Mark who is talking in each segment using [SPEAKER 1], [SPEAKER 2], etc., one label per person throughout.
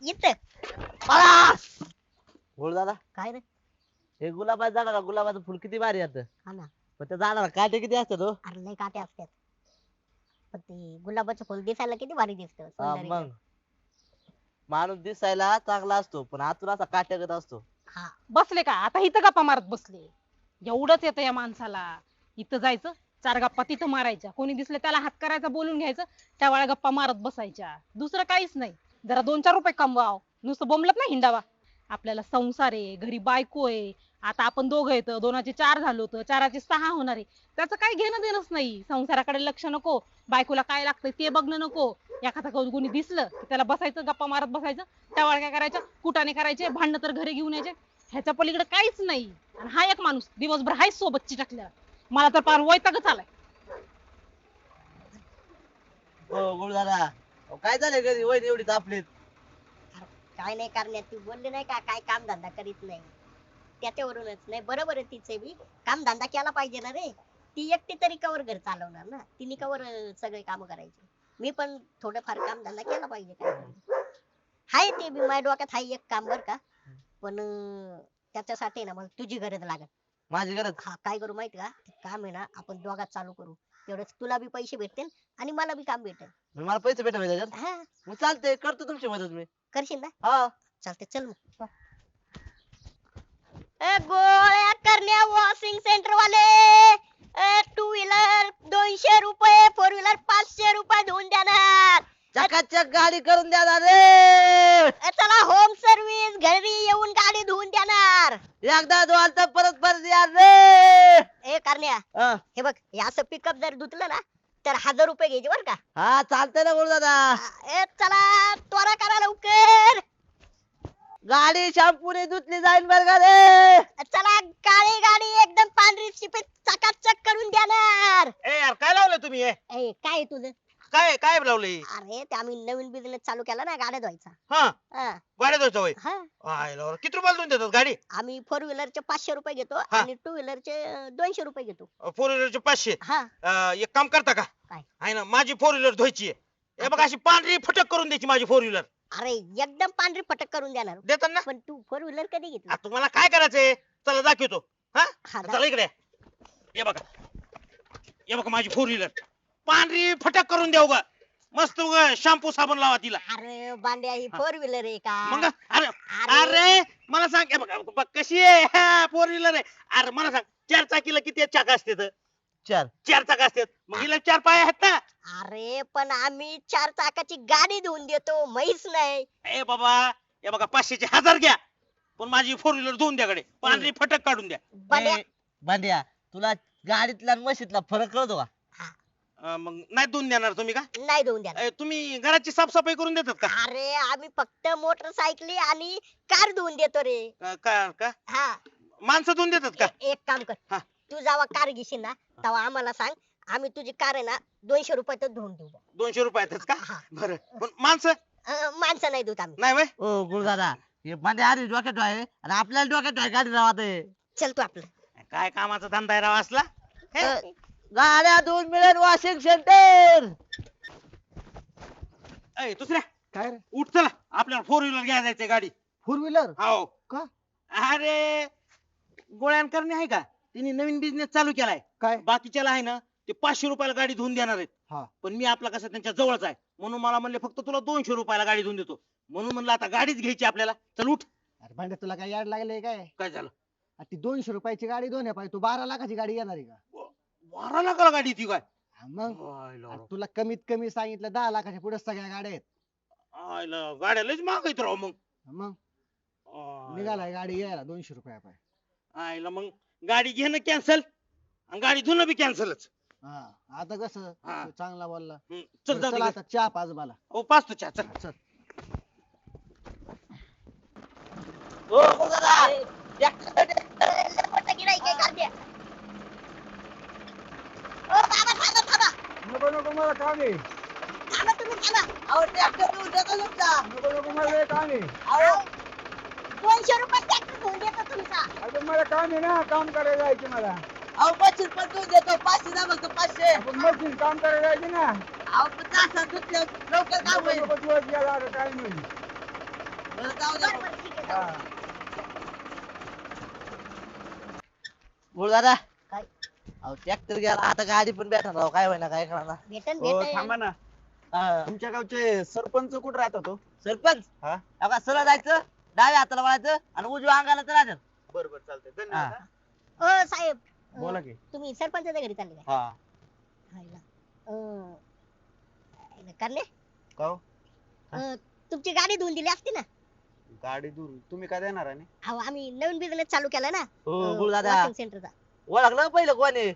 [SPEAKER 1] इथं
[SPEAKER 2] बोल दादा
[SPEAKER 1] काय रे?
[SPEAKER 2] हे गुलाबाचं झाड ना गुलाबाचं फुल किती भारी येतं
[SPEAKER 1] हा ना.
[SPEAKER 2] पण त्या झाडाला काटे किती असतात हो
[SPEAKER 1] अरे लय काटे असतात. पण ते गुलाबाचं फुल दिसायला किती भारी दिसतं,
[SPEAKER 2] हा,
[SPEAKER 1] सुंदर
[SPEAKER 2] मग
[SPEAKER 1] एकदम.
[SPEAKER 2] माणूस दिसायला चांगला असतो पण आतून असा काट्यागत असतो.
[SPEAKER 1] हा.
[SPEAKER 3] बसले का आता इथं गप्पा मारत बसले. एवढंच येतं या माणसाला. इथं जायचं, 4 गप्पा तिथं मारायच्या. कोणी दिसलं त्याला हात करायचा, बोलून घ्यायचं, त्या वेळा गप्पा मारत बसायच्या. दुसरं काहीच नाही. जरा 2-4 रुपये कमवाव, नुसतं बोंबलत नाही हिंडावा. आपल्याला संसार आहे, घरी बायको आहे. आता आपण दोघं येत, 2चे 4 झालो होतं, 4चे 6 होणार आहे. त्याचं काही घेणं देणंच नाही. संसाराकडे लक्ष नको, बायकोला काय लागतंय ते बघणं नको. एखादा कोणी दिसलं की त्याला बसायचं, गप्पा मारत बसायचं. त्या वेळा काय करायचं, कुटाने करायचे, भांडणं तर घरी घेऊन यायचे. ह्याच्या पलीकडे काहीच नाही. आणि हा एक माणूस दिवसभर हाय सोबत चिटकल्या. मला तर पार वैतागच आलाय.
[SPEAKER 2] हो गुळ दादा काय झालंय घरी वय एवढी तापलीत
[SPEAKER 1] अरे काय नाही करण्यात, ती बोलली नाही का काय काम धंदा करीत नाही, त्याच्यावरूनच. नाही बरोबर आहे तिचे बी, काम धंदा केला पाहिजे ना रे. ती एकटी तरी कवर घर चालवणार ना, तिने कवर सगळे काम करायचे. मी पण थोडंफार काम धंदा केला पाहिजे काय. हाय ते बी माझ्या डोक्यात हाय एक काम बर का. पण त्याच्यासाठी ना मला तुझी गरज लागत.
[SPEAKER 2] माझी गरज
[SPEAKER 1] हा, काय करू माहिती का, ते काम आहे ना आपण दोघात चालू करू. तेवढंच तुला बी पैसे भेटतील आणि मला बी काम भेटेल.
[SPEAKER 2] मला पैसे भेटा त्याच्यात
[SPEAKER 1] हा,
[SPEAKER 2] मग चालते करतो तुमची मदत मी
[SPEAKER 1] करशील ना?
[SPEAKER 2] हा
[SPEAKER 1] चालते, चल मग. गोळ्या करण्या वॉशिंग सेंटर वाले, 2 व्हीलर 200 रुपये, 4 व्हीलर 500 रुपये धुवून देणार.
[SPEAKER 2] चकाचक गाडी करून द्या ना रे
[SPEAKER 1] चला होम सर्व्हिस, घरी येऊन गाडी धुवून देणार.
[SPEAKER 2] एकदा धुवाल तर परत परत या रे
[SPEAKER 1] ए करण्या,
[SPEAKER 2] हा
[SPEAKER 1] हे बघ, हे असं पिकअप जर धुतलं ना तर 1000 रुपये घ्यायचे बर का.
[SPEAKER 2] हा, चालतंय ना गुळ दादा
[SPEAKER 1] चला त्वरा करा लवकर.
[SPEAKER 2] गाडी शॅम्पूने धुतली जाईल बर का रे
[SPEAKER 1] चला, काळी गाडी एकदम पांढरी शिपीत चकाचक करून देणार.
[SPEAKER 4] ए यार काय लावलं तुम्ही हे?
[SPEAKER 1] ए काय आहे तुझं?
[SPEAKER 4] काय काय लावले?
[SPEAKER 1] अरे ते आम्ही नवीन बिझनेस चालू केला ना, गाड्या धुवायचा.
[SPEAKER 4] हा
[SPEAKER 1] हा.
[SPEAKER 4] गाड्या धुवायचं होय.
[SPEAKER 1] हा.
[SPEAKER 4] आय लावलं. किती रुपयाला धुवून देतात गाडी?
[SPEAKER 1] आम्ही 4 व्हीलरचे 500 रुपये घेतो
[SPEAKER 4] हा.
[SPEAKER 1] आणि 2 व्हीलरचे 200 रुपये घेतो.
[SPEAKER 4] 4 व्हीलरचे 500.
[SPEAKER 1] हा.
[SPEAKER 4] एक काम करता का?
[SPEAKER 1] काय?
[SPEAKER 4] आहे ना माझी 4 व्हीलर धुवायची आहे. हे बघ अशी पांढरी फटक करून द्यायची माझी 4 व्हीलर.
[SPEAKER 1] अरे एकदम पांढरी फटक करून देणार.
[SPEAKER 4] देतात ना?
[SPEAKER 1] पण तू 4 व्हीलर कधी घेतली?
[SPEAKER 4] तुम्हाला काय करायचंय? चला दाखवतो. हा
[SPEAKER 1] हा,
[SPEAKER 4] चला इकडे. हे बघा. हे बघा माझी 4 व्हीलर. पांढरी फटक करून देऊ का? मस्त शॅम्पू साबण लावा तिला.
[SPEAKER 1] अरे बांड्या, ही 4 व्हीलर आहे का?
[SPEAKER 4] मग अरे अरे मला सांग हे बघ कशी आहे 4 व्हीलर आहे. अरे मला सांग 4 चाकीला किती चाक असतात?
[SPEAKER 2] चार
[SPEAKER 4] 4 चाक असतात. मग हिला 4 पाय आहेत ना?
[SPEAKER 1] अरे पण आम्ही 4 चाकाची गाडी धुवून देतो, म्हैस नाही.
[SPEAKER 4] ए बाबा हे बघा 500चे 1000 घ्या पण माझी 4 व्हीलर धुवून द्याकडे पांढरी फटक काढून द्या.
[SPEAKER 1] बांड्या,
[SPEAKER 2] भांड्या तुला गाडीतला आणि म्हशीतला फरक कळतो का
[SPEAKER 4] मग नाही धुवून देणार तुम्ही का?
[SPEAKER 1] नाही धुवून देणार.
[SPEAKER 4] तुम्ही घराची साफसफाई करून देतात का?
[SPEAKER 1] अरे आम्ही फक्त मोटरसायकली आणि कार धुवून देतो रे.
[SPEAKER 4] का
[SPEAKER 1] हा.
[SPEAKER 4] माणसं धुवून देतात का?
[SPEAKER 1] एक काम कर,
[SPEAKER 4] हा.
[SPEAKER 1] तू जेव्हा कार घेशील ना तेव्हा आम्हाला सांग, आम्ही तुझी कार आहे ना 200 रुपयात धुवून देऊ.
[SPEAKER 4] 200 रुपयातच का?
[SPEAKER 1] हा.
[SPEAKER 4] बरं पण माणसं
[SPEAKER 1] माणसं नाही धुत आम्ही.
[SPEAKER 4] नाही वय.
[SPEAKER 2] ओ गुळ दादा हे भांड्या आधी डोक्यात आहे आणि आपल्याला डोक्यात आहे गाडी राहते
[SPEAKER 1] चल तू आपलं.
[SPEAKER 4] काय कामाचा धंदा आहे राव असला? हे?
[SPEAKER 2] गाड्या धुवून मिळेल वॉशिंग सेंटर
[SPEAKER 4] ए, दुसऱ्या
[SPEAKER 5] काय रे?
[SPEAKER 4] उठ चला आपल्याला 4 व्हीलर घ्यायला जायचंय गाडी.
[SPEAKER 5] 4 व्हीलर
[SPEAKER 4] हो
[SPEAKER 5] का?
[SPEAKER 4] अरे गोळ्यान करणे आहे का तिने नवीन बिझनेस चालू केलाय.
[SPEAKER 5] काय?
[SPEAKER 4] बाकीच्याला आहे ना ते 500 रुपयाला गाडी धुवून देणार आहेत.
[SPEAKER 5] हा.
[SPEAKER 4] पण मी आपला कसं त्यांच्या जवळच आहे म्हणून मला म्हणले फक्त तुला 200 रुपयाला गाडी धुवून देतो. म्हणून म्हणलं आता गाडीच घ्यायची आपल्याला. चल उठ.
[SPEAKER 5] अरे भांड्या, तुला काय याड लागलंय काय?
[SPEAKER 4] काय झालं?
[SPEAKER 5] अरे ती 200 रुपयाची गाडी दोन पाहिजे, तू 12 लाखाची गाडी येणार आहे का?
[SPEAKER 4] 12 लाखाला गाडी ती काय?
[SPEAKER 5] हा मग
[SPEAKER 4] आयला
[SPEAKER 5] अरे तुला कमीत कमी सांगितलं 10 लाखाच्या पुढे सगळ्या गाड्या आहेत.
[SPEAKER 4] आयला गाड्या लयच महाग आहेत राव मग.
[SPEAKER 5] मग
[SPEAKER 4] आयला.
[SPEAKER 5] निघालाय गाडी यायला 200 रुपया पाय.
[SPEAKER 4] आयला मग गाडी घेणं कॅन्सल आणि गाडी धुणं बी कॅन्सलच.
[SPEAKER 5] हा, आता कसं
[SPEAKER 4] हा.
[SPEAKER 5] तू चांगला बोलला.
[SPEAKER 4] चल जाऊ
[SPEAKER 5] चल
[SPEAKER 4] दे.
[SPEAKER 5] आता चहा पाच मला.
[SPEAKER 4] हो पाच तो चहा चल.
[SPEAKER 5] चल.
[SPEAKER 2] ओ गुळ दादा
[SPEAKER 1] मोठं गिऱ्हाईक आहे गाड्या. ओ बाबा, थांबा थांबा
[SPEAKER 5] नको नको मला काम आहे.
[SPEAKER 1] थांबा, तुम्ही थांबा.
[SPEAKER 2] अहो ट्रॅक्टर धुवून देतो तुमचा
[SPEAKER 5] नको नको मला काम आहे.
[SPEAKER 1] अहो, 200 रुपये ट्रॅक्टर धुवून देतो तुमचा.
[SPEAKER 5] अरे मला काम आहे ना, काम करायला जायचं मला.
[SPEAKER 2] अहो मशीन पण धुवून देतो 500 द्या फक्त 500
[SPEAKER 5] आपण मशीन काम करायला जायचं ना.
[SPEAKER 2] अहो पण तासात धुतलं लवकर काम होईल
[SPEAKER 5] नको दिवस गेला, आता काय नाही.
[SPEAKER 2] बरं, जाऊ द्या
[SPEAKER 1] बरं,
[SPEAKER 2] मग.
[SPEAKER 1] बरं, ठीक आहे, जाऊ.
[SPEAKER 2] बोल दादा
[SPEAKER 1] काय?
[SPEAKER 2] अहो ट्रॅक्टर गेला आता गाडी पण भेटणार राव काय होईना काय कळणार
[SPEAKER 1] भेटन
[SPEAKER 6] हो
[SPEAKER 1] भेटन.
[SPEAKER 6] थांबा ना तुमच्या गावचे सरपंच कुठे राहतात तो
[SPEAKER 2] सरपंच
[SPEAKER 6] हा?
[SPEAKER 2] अहो सरळ जायचं डाव्या हाताला वळायचं आणि उजव्या अंगाला तर राहतात
[SPEAKER 6] बरं बरं चालतंय धन्यवाद
[SPEAKER 2] हा.
[SPEAKER 6] हा.
[SPEAKER 1] ओ साहेब
[SPEAKER 6] बोला की
[SPEAKER 1] तुम्ही सरपंचाच्या घरी चालले काय?
[SPEAKER 6] हा
[SPEAKER 1] हायला. हायला, करणे
[SPEAKER 6] का हो?
[SPEAKER 1] तुमची गाडी धुवून दिली असती ना.
[SPEAKER 6] गाडी दूर तुम्ही काय देणार आहे
[SPEAKER 1] अहो आम्ही नवीन बिझनेस चालू केला ना
[SPEAKER 2] हो बोल दादा
[SPEAKER 1] वॉशिंग सेंटरचा.
[SPEAKER 2] ओळखलं पहिलं कोणी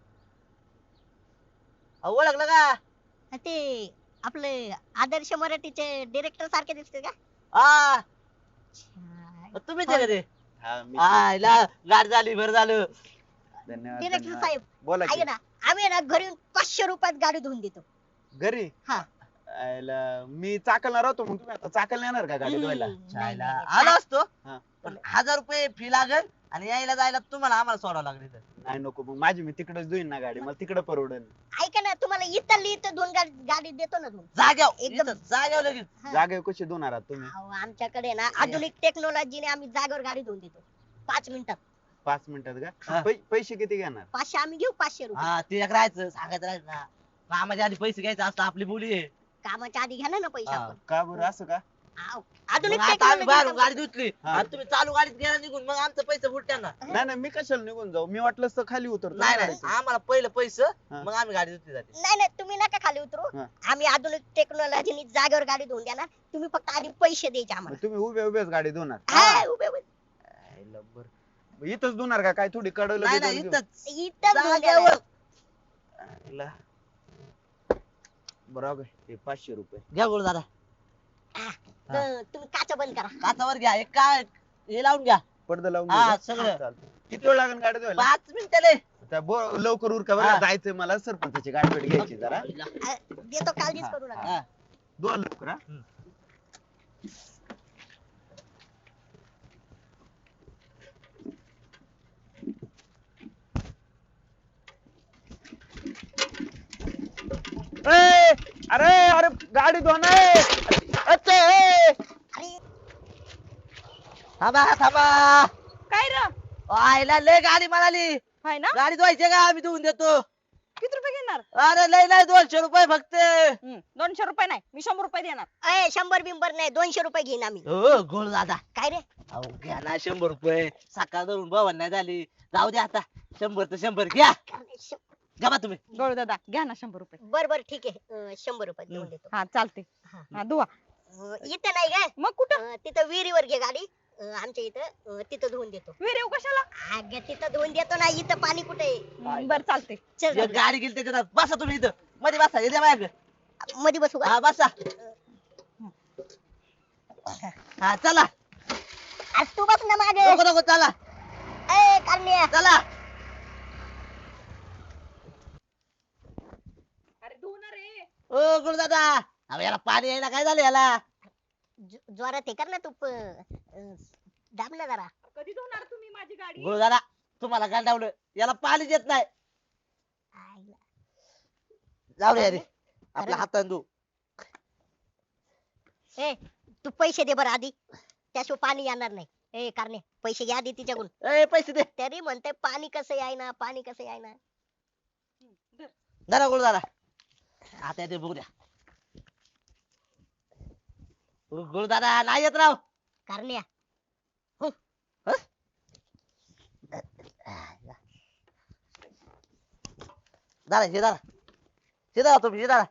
[SPEAKER 2] ओळखलं का
[SPEAKER 1] ते आपले आदर्श मराठीचे डिरेक्टर सारखे दिसते का?
[SPEAKER 2] हा
[SPEAKER 1] अच्छा.
[SPEAKER 2] तुम्ही ते का ते
[SPEAKER 6] हा मी
[SPEAKER 2] आयला गाडी झाली बरं झालं
[SPEAKER 6] धन्यवाद
[SPEAKER 1] डिरेक्टर
[SPEAKER 6] धन्यवाद.
[SPEAKER 1] साहेब
[SPEAKER 6] बोला की
[SPEAKER 1] ऐका ना, आम्ही ना घरी येऊन 500 रुपयात गाडी धुवून देतो.
[SPEAKER 6] घरी
[SPEAKER 1] हा.
[SPEAKER 6] आयला, मी चाकलणार होतो मग तुम्ही आता चाकल येणार का गाडी धुवायला
[SPEAKER 1] नाही,
[SPEAKER 2] चायला
[SPEAKER 1] नाही,
[SPEAKER 2] आलो असतो
[SPEAKER 6] हा.
[SPEAKER 2] पण 1000 रुपये फी लागल आणि यायला जायला तुम्हाला आम्हाला सोडावं लागेल इथं.
[SPEAKER 6] नाही नको मग माझी मी तिकडेच धुईन ना गाडी मला तिकडे परवडेल
[SPEAKER 1] ऐका ना, तुम्हाला इथली इथं दोन गाडी देतो ना धुवून.
[SPEAKER 2] जाग्यावर
[SPEAKER 1] एकदम.
[SPEAKER 2] इथं जाग्यावर लगेच
[SPEAKER 1] हा.
[SPEAKER 6] जागे कशी धुणार आहात तुम्ही
[SPEAKER 1] अहो, आमच्याकडे ना आधुनिक टेक्नॉलॉजीने आम्ही जागेवर गाडी धुवून देतो 5 मिनिटात.
[SPEAKER 6] 5 मिनिटात
[SPEAKER 2] हा.
[SPEAKER 6] का पैसे किती घेणार
[SPEAKER 1] 500 आम्ही घेऊ, 500 रुपये.
[SPEAKER 2] हा ते एक राहायचं सांगायचं राहायचं ना कामाच्या आधी पैसे घ्यायचं असतं आपली बोली आहे
[SPEAKER 1] कामाच्या आधी घ्या ना पैसे
[SPEAKER 2] हा.
[SPEAKER 1] आपण.
[SPEAKER 6] का बरं असं का
[SPEAKER 1] अहो,
[SPEAKER 2] मग
[SPEAKER 1] आधुनिक
[SPEAKER 2] आता आम्ही बाहेरून गाडी
[SPEAKER 1] टेक्नॉलॉजी.
[SPEAKER 2] धुतली
[SPEAKER 6] हा.
[SPEAKER 2] आणि तुम्ही चालू गाडीत गेला निघून मग आमचं पैसे बुडत्या ना
[SPEAKER 6] नाही नाही मी कशाला निघून जाऊ मी वाटलं तर खाली उतरतो ना
[SPEAKER 2] नाही नाही
[SPEAKER 6] गाडीतून.
[SPEAKER 2] आम्हाला पहिलं पैसे
[SPEAKER 6] हा.
[SPEAKER 2] मग आम्ही गाडी धुतली जाते
[SPEAKER 1] नाही नाही, तुम्ही नका खाली उतरू.
[SPEAKER 6] हा.
[SPEAKER 1] आम्ही आधुनिक टेक्नॉलॉजीने जागेवर गाडी धुवून देणार. तुम्ही फक्त आधी पैसे द्यायचे
[SPEAKER 6] मग
[SPEAKER 1] आम्हाला.
[SPEAKER 6] तुम्ही उभे उभेच गाडी धुणार
[SPEAKER 1] हा, उभे उभे.
[SPEAKER 6] आयला, बरं. मग इथंच धुणार का काय थोडी कडवलं
[SPEAKER 2] नाही
[SPEAKER 6] बिडवलं
[SPEAKER 2] नाही
[SPEAKER 6] घेऊन?
[SPEAKER 2] इथंच
[SPEAKER 1] इथं धुवून
[SPEAKER 2] जाग्यावर
[SPEAKER 1] देणार.
[SPEAKER 6] आयला. बरोबर हे 500 रुपये
[SPEAKER 2] घ्या बोल दादा
[SPEAKER 1] तर तुम्ही काचा बंद करा.
[SPEAKER 2] काचावर घ्या एक काय हे लावून घ्या
[SPEAKER 6] पडदा लावून
[SPEAKER 2] हा,
[SPEAKER 6] घेऊ का?
[SPEAKER 2] सगळं.
[SPEAKER 6] चालतंय. किती वेळ लागेल गाडी धुवायला
[SPEAKER 2] 5 मिनिटाले
[SPEAKER 6] आता लवकर उरका बरं
[SPEAKER 2] हा.
[SPEAKER 6] जायचंय मला सरपंचाची गाडी भेट घ्यायची जरा
[SPEAKER 1] देतो, काळजीच करू नका.
[SPEAKER 2] हा.
[SPEAKER 6] धुवा लवकर हा. ए, अरे अरे गाडी धुवा अच्छा
[SPEAKER 1] अरे
[SPEAKER 2] थांबा थांबा
[SPEAKER 3] काय र
[SPEAKER 2] आयला लय गाडी म्हणाली
[SPEAKER 3] हाय ना
[SPEAKER 2] गाडी धुवायची का आम्ही धुवून देतो
[SPEAKER 3] किती रुपये घेणार
[SPEAKER 2] अरे लय नाही 200 रुपये फक्त
[SPEAKER 3] 200 रुपये नाही मी 100 रुपये देणार.
[SPEAKER 1] 100 बिंबर नाही, 200 रुपये घेईन आम्ही.
[SPEAKER 2] हो गोळ दादा
[SPEAKER 1] काय रे?
[SPEAKER 2] अहो घ्या ना 100 रुपये सकाळ धरून भवन नाही झाली जाऊ द्या आता 100 तर 100 घ्या घ्या बा तुम्ही
[SPEAKER 3] गौर दादा घ्या ना 100 रुपये.
[SPEAKER 1] बर बर ठीक आहे, 100 रुपये देऊन देतो.
[SPEAKER 3] हा चालते.
[SPEAKER 1] हा.
[SPEAKER 3] हा दुवा
[SPEAKER 1] इथं नाही काय,
[SPEAKER 3] मग कुठं
[SPEAKER 1] तिथं विहिरीवर घे गाडी. आमच्या इथं तिथं धुवून देतो.
[SPEAKER 3] विहिरीव कशाला.
[SPEAKER 1] अगं तिथं धुवून देतो ना, इथं पाणी कुठे आहे?
[SPEAKER 3] बर चालते.
[SPEAKER 1] चल
[SPEAKER 2] एक गाडी गेली त्याच्यात बसा तुम्ही इथं मध्ये बसा येते माझ्या
[SPEAKER 1] मध्ये बसू का?
[SPEAKER 2] हा बसा हा चला
[SPEAKER 1] आज तू बस ना मागे.
[SPEAKER 2] नको नको चला
[SPEAKER 1] ए कारण्या,
[SPEAKER 2] चला
[SPEAKER 3] अरे धुणार रे.
[SPEAKER 2] ओ गुरु दादा अहो याला पाणी यायला काय झालं याला
[SPEAKER 1] जोरात हे कर ना तू, दाब ना जरा.
[SPEAKER 3] कधी धुणार तुम्ही माझी गाडी.
[SPEAKER 2] गुरु दादा तुम्हाला गांडावलं याला पाणी देत नाही
[SPEAKER 1] आईला.
[SPEAKER 2] जाऊ दे अरे आपल्या हाताने धु
[SPEAKER 1] ए तू पैसे दे बरं आधी, त्याशिवाय पाणी येणार नाही. ए कारणे, पैसे घ्या आधी तिच्याकडून.
[SPEAKER 2] ए पैसे दे
[SPEAKER 1] तरी म्हणते पाणी कसं यायना, पाणी कसं यायना.
[SPEAKER 2] धरा गुरु दादा आता येते बघू द्या गुरु दादा नाही येत राव
[SPEAKER 1] कारण्या,
[SPEAKER 2] दादा हे दादा हे दादा तुम्ही हे दादा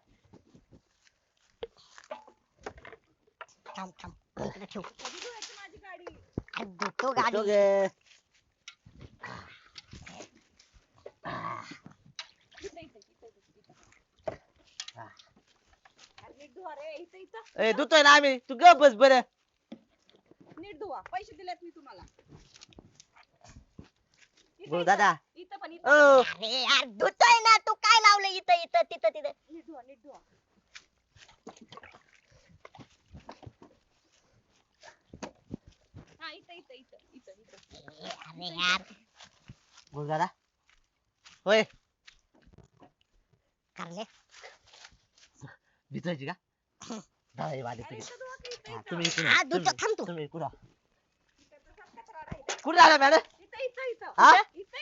[SPEAKER 1] थांब थांब इकडे ठेव.
[SPEAKER 3] कधी धुवायची माझी गाडी.
[SPEAKER 1] अरे धुतो गाडी.
[SPEAKER 2] दोघे.
[SPEAKER 3] इथं, इथं, इथं, इथं. अरे नीट धुवा रे इथं इथं.
[SPEAKER 2] ए धुतोय ना आम्ही तू गप बस बरं
[SPEAKER 3] नीट धुवा पैसे दिलेत मी तुम्हाला. इथं,
[SPEAKER 2] गुरु
[SPEAKER 3] इथं.
[SPEAKER 2] दादा
[SPEAKER 3] इथं पण
[SPEAKER 2] ओ
[SPEAKER 3] इथं.
[SPEAKER 1] अरे यार धुतोय ना, तू काय लावलं इथं इथं तिथं तिथं.
[SPEAKER 3] नीट धुवा नीट धुवा. हा इथं इथं इथं इथं इथं.
[SPEAKER 1] अरे यार
[SPEAKER 2] गुरु दादा होय
[SPEAKER 1] कारण्या,
[SPEAKER 2] भिजायची का दादा हे वाढते
[SPEAKER 3] अरे इथं धुवा की इथं.
[SPEAKER 2] हा, तुम्ही इकडून
[SPEAKER 1] हा
[SPEAKER 2] या,
[SPEAKER 1] दुसरं थांब तू
[SPEAKER 2] तुम्ही इकडून या. कुठे आला मॅडम हा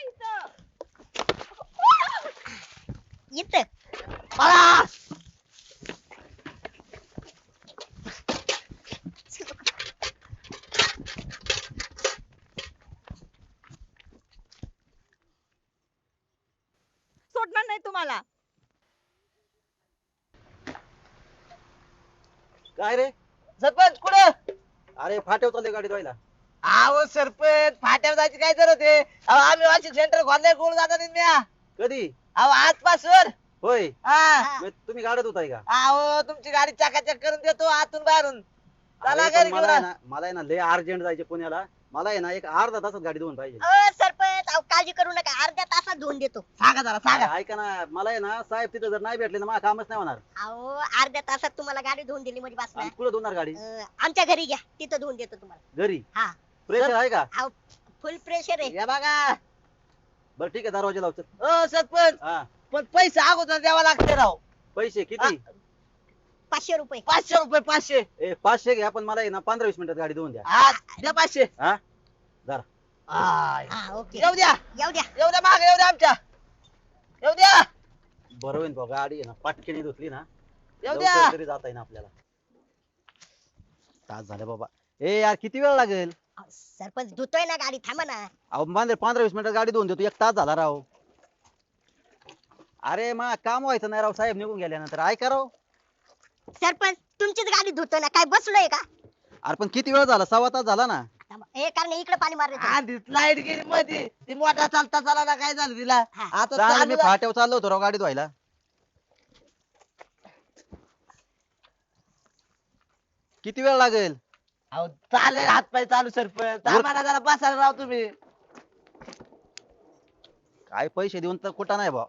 [SPEAKER 1] इथं
[SPEAKER 2] पळा.
[SPEAKER 7] सोडणार नाही तुम्हाला.
[SPEAKER 5] काय रे
[SPEAKER 2] सरपंच कुठे
[SPEAKER 5] अरे फाट्यावर चालले गाडी धुवायला.
[SPEAKER 2] अहो सरपंच फाट्यावर जायची काय जरूरत आहे अहो आम्ही वाशिक सेंटर खोलले कोण जाता नाही म्या
[SPEAKER 5] कधी
[SPEAKER 2] अहो आजपासून
[SPEAKER 5] होय
[SPEAKER 2] हा
[SPEAKER 5] मग तुम्ही गाडत होताय का
[SPEAKER 2] अहो तुमची गाडी चकाचक करून देतो आतून बाहेरून चला
[SPEAKER 5] अरे,
[SPEAKER 2] घरी
[SPEAKER 5] पण मला आहे
[SPEAKER 2] घेऊन
[SPEAKER 5] ना मला आहे ना लय अर्जंट जायचे पुण्याला. मला आहे ना एक अर्धा तासात गाडी धुवून पाहिजे.
[SPEAKER 1] सरपंच अहो काळजी करू नका अर्ध्या तासात धुवून देतो.
[SPEAKER 2] सांगा जरा सांगा
[SPEAKER 5] ऐका ना मला आहे ना साहेब तिथं जर नाही भेटले ना मला कामच नाही होणार.
[SPEAKER 1] अहो अर्ध्या तासात तुम्हाला गाडी धुवून दिली म्हणजे बस
[SPEAKER 5] आणि
[SPEAKER 1] ना.
[SPEAKER 5] कुठं धुणार गाडी
[SPEAKER 1] आमच्या घरी घ्या तिथं धुवून देतो तुम्हाला.
[SPEAKER 5] घरी
[SPEAKER 1] हा
[SPEAKER 5] प्रेशर आहे का
[SPEAKER 1] अहो फुल प्रेशर आहे.
[SPEAKER 2] या बघा
[SPEAKER 5] बरं ठीक आहे दरवाजा लावतो.
[SPEAKER 2] ओ सरपंच
[SPEAKER 5] हा
[SPEAKER 2] पण पैसे अगोदर द्यावा लागते राव
[SPEAKER 5] पैसे किती
[SPEAKER 1] 500 रुपये.
[SPEAKER 2] 500 रुपये 500
[SPEAKER 5] ए 500 घ्या पण मला आहे ना 15-20 मिनिटात गाडी धुवून द्या.
[SPEAKER 2] हा द्या 500
[SPEAKER 5] हा जरा
[SPEAKER 2] आय.
[SPEAKER 1] हा ओके
[SPEAKER 2] येऊ द्या
[SPEAKER 1] येऊ द्या.
[SPEAKER 2] येऊ द्या मागे येऊ द्या आमच्या येऊ द्या
[SPEAKER 5] बरं होईल भाऊ गाडी आहे ना पाटकीने धुतली ना
[SPEAKER 2] येऊ द्या
[SPEAKER 5] लवकर तरी जाता येईल आपल्याला. तास झाले बाबा. ए यार किती वेळ लागेल
[SPEAKER 1] अहो, सरपंच धुतोय ना गाडी थांबा ना.
[SPEAKER 5] अहो मांजर 15-20 मिनिटात गाडी धुवून देतो. 1 तास झाला राव. अरे मा काम व्हायचं नाही राव साहेब निघून गेल्यानंतर ऐका राव.
[SPEAKER 1] सरपंच तुमचीच गाडी धुतोय ना काय बसलोय का.
[SPEAKER 5] अरे पण किती वेळ झाला 1/2 तास झाला ना.
[SPEAKER 1] थांबा. ए कारण इकडे पाणी मारले
[SPEAKER 2] आधी लाईट गेली मध्ये ती मोठा चालता चालला काय झालं तिला
[SPEAKER 1] हा.
[SPEAKER 2] आता
[SPEAKER 5] चालेल मी
[SPEAKER 2] चालू
[SPEAKER 5] फाट्यावर चाललो होतो राव गाडी धुवायला. किती वेळ लागेल
[SPEAKER 2] अहो चालेल हात पाय चालू सरपंच आम्हाला जरा बसायला राव तुम्ही
[SPEAKER 5] काय पैसे देऊन तर कुठं नाही भाऊ.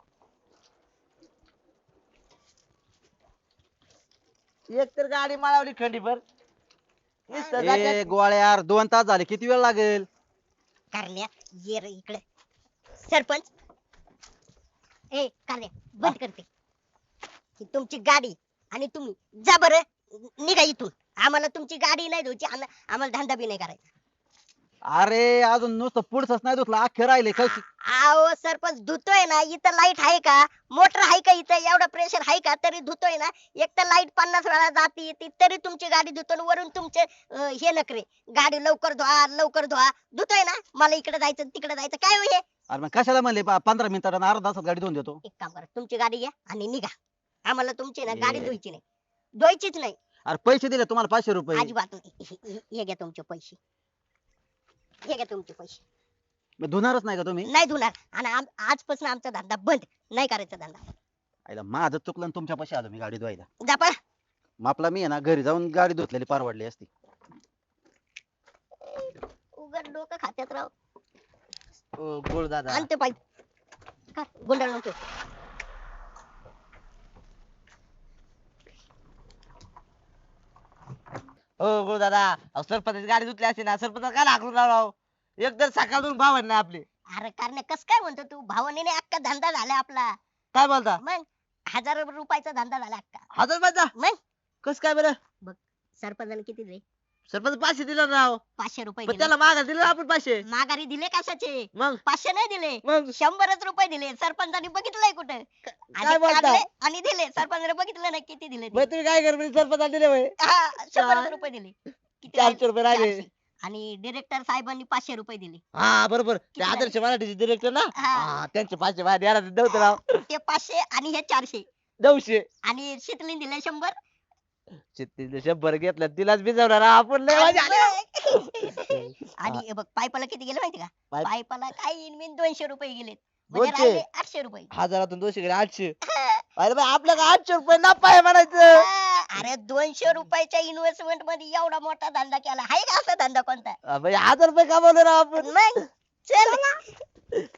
[SPEAKER 2] एक तर गाडी माळवली खंडीभर नुसतं
[SPEAKER 5] ए
[SPEAKER 2] जात्यात.
[SPEAKER 5] गोळ्या यार 2 तास झाले किती वेळ लागेल.
[SPEAKER 1] करण्या ये रे इकडे. सरपंच ए करण्या बंद करते ही तुमची गाडी आणि तुम्ही जा बरं निघा इथून. आम्हाला तुमची गाडी नाही धुवायची आम्हाला धंदा बी नाही करायचा.
[SPEAKER 5] अरे अजून नुसतं पुढचंच नाही धुतलं अख्खे राहिले कशी.
[SPEAKER 1] अहो सरपंच धुतोय ना इथं लाईट आहे का मोटर आहे का इथं एवढं प्रेशर आहे का तरी धुतोय ना. एक तर लाईट 50 वेळा जाती येते तरी तुमची गाडी धुतो आणि वरून तुमचे हे नखरे गाडी लवकर धुवा धुतोय ना. मला इकडे जायचं तिकडे जायचं काय हो हे.
[SPEAKER 5] अरे मग कशाला म्हणले 15 मिनिटात आणि अर्धा तासात गाडी धुवून देतो.
[SPEAKER 1] एक काम करा तुमची गाडी घ्या आणि निघा. आम्हाला तुमची ना गाडी धुवायची नाही धुवायचीच नाही
[SPEAKER 5] अरे पैसे दिले तुम्हाला 500 रुपये.
[SPEAKER 1] अजिबात नाही. हे घ्या तुमचे पैसे हे घ्या तुमचे पैसे.
[SPEAKER 5] मग धुणारच नाही का तुम्ही.
[SPEAKER 1] नाही धुणार आणि आजपासून आमचा धंदा बंद नाही करायचा धंदा.
[SPEAKER 5] आईला माझं चुकलं आणि तुमच्या पैसे आलो मी गाडी धुवायला.
[SPEAKER 1] जा पळा.
[SPEAKER 5] मग आपला मी आहे ना घरी जाऊन गाडी धुतलेली परवडली असती.
[SPEAKER 1] उघड डोकं खात्यात राव.
[SPEAKER 2] ओ, गोड दादा
[SPEAKER 1] आणते पाहिजे गुंडाळ नको.
[SPEAKER 2] हो गोड दादा अहो, सरपंचाची गाडी धुतली असते ना सरपंच काय लागलो राव एक तर सकाळून भाव नाही आपले
[SPEAKER 1] अरे कारण कस काय म्हणतो तू भावाने अख्खा धंदा झाला आपला.
[SPEAKER 2] काय बोलता
[SPEAKER 1] मग 1000 रुपयाचा धंदा झाला अख्खा.
[SPEAKER 2] 1000 रुपयाचा
[SPEAKER 1] मग
[SPEAKER 2] कस काय बरं
[SPEAKER 1] सरपंचाने किती दिले
[SPEAKER 2] सरपंच 500 दिलं राव
[SPEAKER 1] 500 रुपये
[SPEAKER 2] पण
[SPEAKER 1] दिले.
[SPEAKER 2] त्याला मागा दिलं आपण 500
[SPEAKER 1] माघारी दिले कशाचे
[SPEAKER 2] मग
[SPEAKER 1] 500 नाही दिले
[SPEAKER 2] मग
[SPEAKER 1] 100च रुपये दिले. सरपंचाने बघितलंय कुठे
[SPEAKER 2] काय बोलता
[SPEAKER 1] आणि दिले. सरपंचाने बघितलं नाही किती दिले ते.
[SPEAKER 2] मग तुम्ही काय कर सरपंचाला दिले होय
[SPEAKER 1] हा, 100 रुपये दिले. किती
[SPEAKER 2] 400 रुपये राहिले
[SPEAKER 1] 400. आणि डिरेक्टर साहेबांनी 500 रुपये दिले.
[SPEAKER 2] हा बरोबर ते
[SPEAKER 1] किती
[SPEAKER 2] आदर्श मराठीचे डिरेक्टर ना
[SPEAKER 1] हा.
[SPEAKER 2] हा त्यांचे 500 बाहेर यायला नव्हतं राव
[SPEAKER 1] ते 500 आणि हे 400
[SPEAKER 2] 900
[SPEAKER 1] आणि शीतलीने दिले 100.
[SPEAKER 2] चित्तीने 100 घेतलं तिलाच भिजवणार आपण लय मजा आली.
[SPEAKER 1] आणि हे बघ पायपाला किती गेले माहिती का
[SPEAKER 2] पाईप-
[SPEAKER 1] पायपाला काही इनमिन 200 रुपये गेले म्हणजे
[SPEAKER 2] 200?
[SPEAKER 1] राहिले 800 रुपये.
[SPEAKER 2] हजारातून 200 गेले 800 अरे बाई आपलं का 800 रुपये नफा आहे म्हणायचं
[SPEAKER 1] अरे 200 रुपयाच्या इन्व्हेस्टमेंट मध्ये एवढा मोठा धंदा केला आहे का असा धंदा कोणता.
[SPEAKER 2] बाई 1000 रुपये कमावले राव आपण
[SPEAKER 1] मग चल